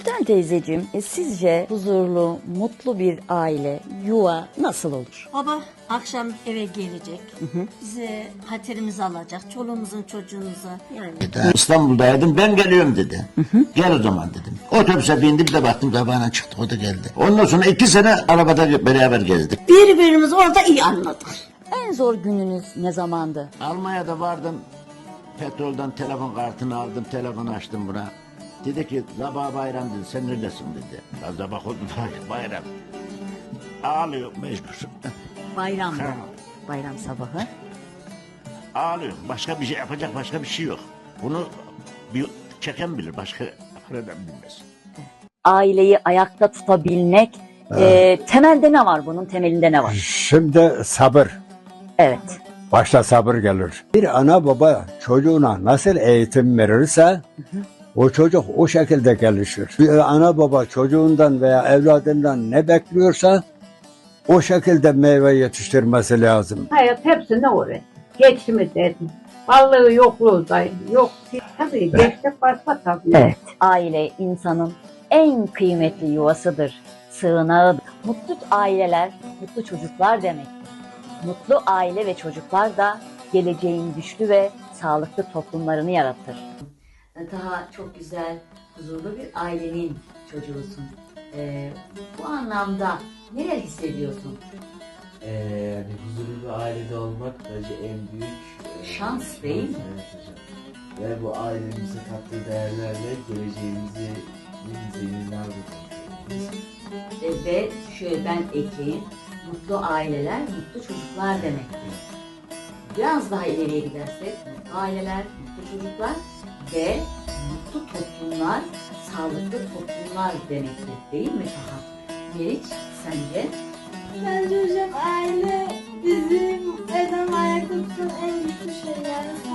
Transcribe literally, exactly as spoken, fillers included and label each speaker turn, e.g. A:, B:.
A: Gülden teyzeciğim, e, sizce huzurlu, mutlu bir aile, yuva nasıl olur?
B: Baba akşam eve gelecek. Bize hatırımızı alacak. Çoluğumuzun çocuğumuza yani.
C: İstanbul'daydım, ben geliyorum dedi. Gel o zaman dedim. Otobüse bindim de baktım sabahına çıktık, o da geldi. Ondan sonra iki sene arabada beraber gezdik.
B: Birbirimizi orada iyi anladık.
A: En zor gününüz ne zamandı?
C: Almanya'da vardım, petrolden telefon kartını aldım, telefon açtım buna. Dedi ki sabah bayram dedi, sen neredesin dedi. Ben sabah oldu bayram. Ağlıyor mecbur.
A: Bayramda.
C: Ha.
A: Bayram sabahı.
C: Ağlıyor. Başka bir şey yapacak başka bir şey yok. Bunu bir çeken bilir, başka neden bilmez.
A: Aileyi ayakta tutabilmek, e, temelde ne var bunun, temelinde ne var?
D: Şimdi sabır.
A: Evet.
D: Başta sabır gelir. Bir ana baba çocuğuna nasıl eğitim verirse o çocuk o şekilde gelişir. Bir ana baba çocuğundan veya evladından ne bekliyorsa o şekilde meyve yetiştirmesi lazım.
E: Hayat hepsine uğraş. Geçimi dedim. Varlığı yokluğu da yok. Tabii geçtik başka tabii.
A: Evet. Aile insanın en kıymetli yuvasıdır, sığınağıdır. Mutlu aileler, mutlu çocuklar demektir. Mutlu aile ve çocuklar da geleceğin güçlü ve sağlıklı toplumlarını yaratır. Daha çok güzel, huzurlu bir ailenin çocuğusun. Ee, bu anlamda neler hissediyorsun?
F: Ee, yani huzurlu bir ailede olmak bence en büyük e,
A: Şans değil mi?
F: Evet hocam. Ve bu ailemize kattığı değerlerle geleceğimizi bir zeminler bulmalıyız.
A: Ee, ve şöyle ben ekleyeyim, mutlu aileler, mutlu çocuklar demektir. Biraz daha ileriye gidersek, mutlu aileler, mutlu çocuklar ve mutlu toplumlar, sağlıklı toplumlar demektir. Değil mi Taha? Meriç, sence?
G: Bence hocam aile bizim eden ayakta tutan en güçlü şey yani.